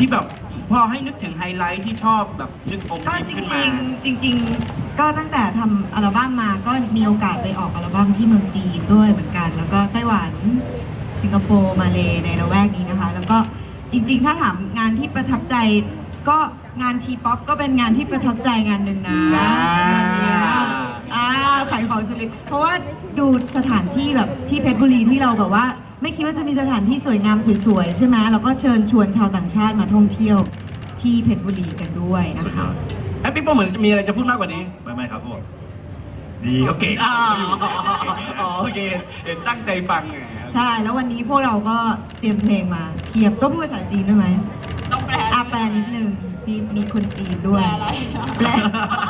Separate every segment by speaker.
Speaker 1: ที่แบบพอให้นึกถึงไฮไลท์ที่ชอบแบบนึกองค์
Speaker 2: ก็
Speaker 1: ยิ้ม
Speaker 2: จ
Speaker 1: ขึ้นมา
Speaker 2: ริงๆก็ตั้งแต่ทำอัลบั้มมาก็มีโอกาสไปออกอัลบั้มที่เมืองจีนด้วยเหมือนกัน แล้วก็ไต้หวันสิงคโปร์มาเลในละแวกนี้นะคะแล้วก็จริงๆถ้าถามงานที่ประทับใจก็งานทีป๊อปก็เป็นงานที่ประทับใจงานหนึ่งนะขายของสุดเลยเพราะว่าดูสถานที่แบบที่เพชรบุรีที่เราแบบว่าไม่คิดว่าจะมีสถานที่สวยงามสวยๆใช่ไหมแล้วก็เชิญชวนชาวต่างชาติมาท่องเที่ยวที่เพชรบุรีกันด้วยนะคะ
Speaker 1: แอปปิ๊กโป้เหมือนจะมีอะไรจะพูดมากกว่านี้
Speaker 3: ไม่ครับพวกดีเขาเก่ง
Speaker 1: โอเคเห็นตั้งใจฟังไง
Speaker 2: ใช่แล้ววันนี้พวกเราก็เตรียมเพลงมาเขียบต้องพูดภาษาจีนด้วยไหมต้องแปลแปลนิดนึงมีคนจีนด้วยแปล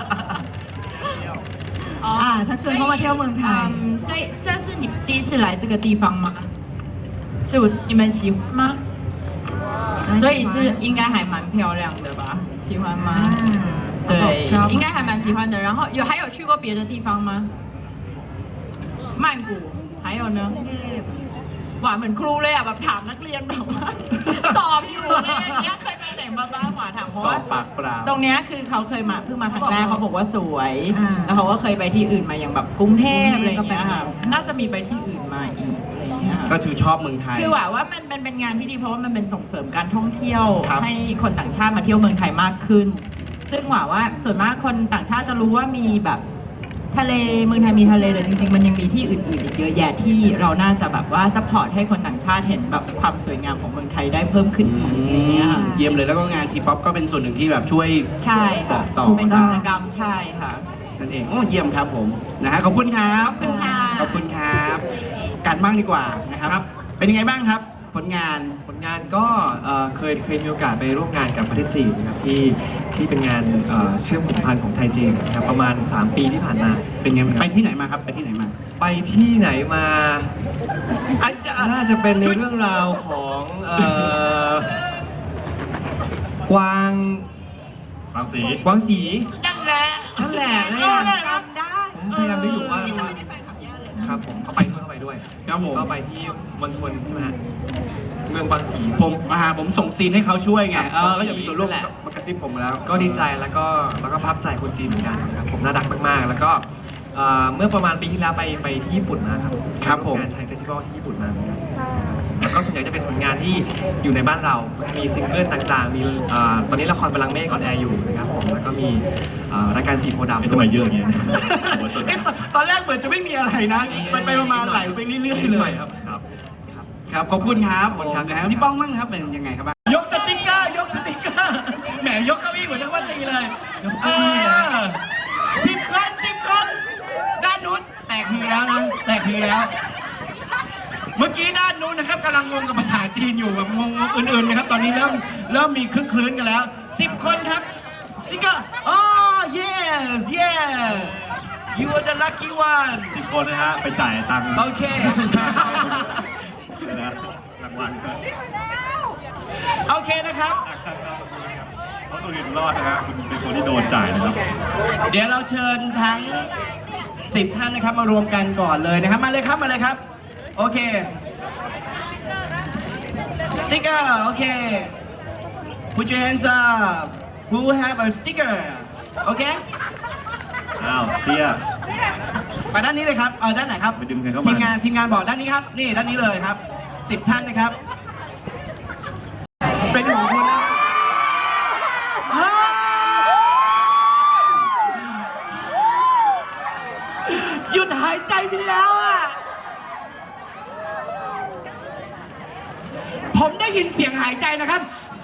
Speaker 2: ชักชวนเขามาเที่ยวเมืองไทย
Speaker 4: 这是你第一次来这个地方吗？你们喜欢吗？所以是应该还蛮漂亮的吧？喜欢吗？对，应该还蛮喜欢的。然后还有去过别的地方吗？曼谷，还有呢？หวานเหมือนครูเลยอ่ะแบบถามนักเรียนแบบว่าสอบอยู่อะไรอย่างเงี้ยเคยไปไหนมาบ้างหวานถามเพราะว่าตรงเนี้ยคือเขาเคยมาเพิ่งมาครั้งแรกเขาบอกว่าสวยแล้วเขาก็เคยไปที่อื่นมาอย่างแบบกรุงเทพอะไรอย่างเงี้ยค่ะน่าจะมีไปที่อื่นมาอีกอะไรอย่างเงี้ย
Speaker 1: ก็คือชอบเมืองไทย
Speaker 4: คือว่ามันเป็นงานที่ดีเพราะว่ามันเป็นส่งเสริมการท่องเที่ยวให้คนต่างชาติมาเที่ยวเมืองไทยมากขึ้นซึ่งว่าส่วนมากคนต่างชาติจะรู้ว่ามีแบบทะเลเมืองไทยมีทะเลแต่จริงๆมันยังมีที่อื่นๆอีกเยอะแยะที่เราน่าจะแบบว่าซัพพอร์ตให้คนต่างชาติเห็นแบบความสวยงามของเมืองไทยได้เพิ่มขึ้นอีกอะไรเงี้ยค่ะ
Speaker 1: เยี่ยมเลยแล้วก็งานทีป๊อปก็เป็นส่วนหนึ่งที่แบบช่วย
Speaker 4: ใช่ค่ะ
Speaker 1: ต่อ
Speaker 4: เป็นกิจกรรมใช่ค่ะ
Speaker 1: นั่นเองโอ้เยี่ยมครับผมนะฮะขอบคุณครับขอบคุณครับการบ้างดีกว่านะครับเป็นยังไงบ้างครับผลงาน
Speaker 3: ก็เคยมีโอกาสไปร่วมงานกับประเทศจีนนะครับที่เป็นงานเชื่อมสัมพันธ์ของไทยจีนนะครับประมาณ3 ปีที่ผ่านมา
Speaker 1: เป็นไงไปที่ไหนมาครับไปที่ไหนมา
Speaker 3: น่าจะเป็นในเรื่องราวของกวางสี
Speaker 1: นั่นแหละ
Speaker 2: จำได้
Speaker 3: ผมพยายามนึกอยู่ว่าครับผมเข้าไปด้วย
Speaker 1: ครับผม
Speaker 3: ก็ไปที่มณฑลใช่ไหมฮะเมืองบางสี
Speaker 1: ผมส่งซีนให้เขาช่วยไงก็อย่ามีส่วนร่วมมากระซิบผมแล้ว
Speaker 3: ก็ดีใจแล้วก็ภาพใจคนจีนเหมือนกันนะครับผมน่ารักมากๆแล้วก็เมื่อประมาณปีที่แล้วไปที่ญี่ปุ่นมาครับ
Speaker 1: ผม
Speaker 3: งานไทยเฟสติวัลที่ญี่ปุ่นมาแล้วก็ส่วนใหญ่จะเป็นผลงานที่อยู่ในบ้านเรามีซิงเกิลต่างๆมีตอนนี้ละครบัลลังก์เมฆออนแอร์อยู่นะครับผมแล้วก็มีรายการสีโพธิ์ดำทำไมเยอะอย่างเงี้ย
Speaker 1: ตอนแรกเหมือนจะไม่มีอะไรนะไปมาไหลไปเรื่อยๆเลยครับขอบคุณครับนะครับพี่ป้องมั่งครับเป็นยังไงครับยกสติ๊กเกอร์แหมยกเก้าอี้เหมือนนักว่าตีเลย10 คนด้านนู้นแตกฮือแล้วเมื่อกี้ด้านนู้นนะครับกำลังงงกับภาษาจีนอยู่แบบงงอื่นๆนะครับตอนนี้เริ่มมีคลื่นกันแล้ว10 คนครับสติ๊กเกอร์yes you are the lucky one
Speaker 3: 10 คนนะฮะไปจ่ายตังค์
Speaker 1: โอเค
Speaker 3: รางวัล
Speaker 1: โอเคนะครับ
Speaker 3: เขาตัวเรียนรอดนะฮะคุณเป็นคนที่โดนจ่ายนะครับ
Speaker 1: เดี๋ยวเราเชิญทั้ง10 ท่านนะครับมารวมกันก่อนเลยนะครับมาเลยครับโอเคสติ๊กเกอร์โอเค put your hands up who have a sticker โอเค
Speaker 3: เตี้ย
Speaker 1: ไปด้านนี้เลยครับด้านไหนครับ
Speaker 3: ไปดึงใครเข้ามา
Speaker 1: ทีมงานบอกด้านนี้ครับนี่ด้านนี้เลยครับ10 ท่านนะครับเป็นของคุณนะหยุดหายใจไปแล้วอ่ะผมได้ยินเสียงหายใจนะครับ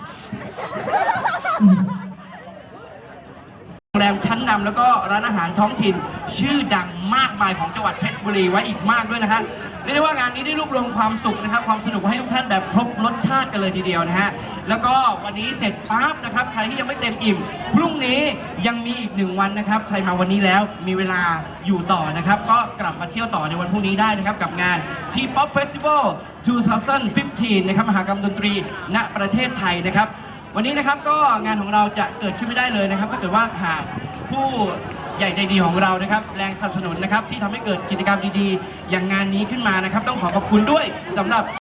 Speaker 1: โรงแรมชั้นนำแล้วก็ร้านอาหารท้องถิ่นชื่อดังมากมายของจังหวัดเพชรบุรีไว้อีกมากด้วยนะฮะเรียกได้ว่างานนี้ได้รวบรวมความสุขนะครับความสนุกให้ทุกท่านแบบครบรสชาติกันเลยทีเดียวนะฮะแล้วก็วันนี้เสร็จปั๊บนะครับใครที่ยังไม่เต็มอิ่มพรุ่งนี้ยังมีอีก1 วันนะครับใครมาวันนี้แล้วมีเวลาอยู่ต่อนะครับก็กลับมาเที่ยวต่อในวันพรุ่งนี้ได้นะครับกับงาน T-POP Festival 2015 นะครับมหกรรมดนตรีณประเทศไทยนะครับวันนี้นะครับก็งานของเราจะเกิดขึ้นไม่ได้เลยนะครับถ้าเกิดว่าขาดผู้ใหญ่ใจดีของเรานะครับแรงสนับสนุนนะครับที่ทำให้เกิดกิจกรรมดีๆอย่างงานนี้ขึ้นมานะครับต้องขอขอบคุณด้วยสำหรับ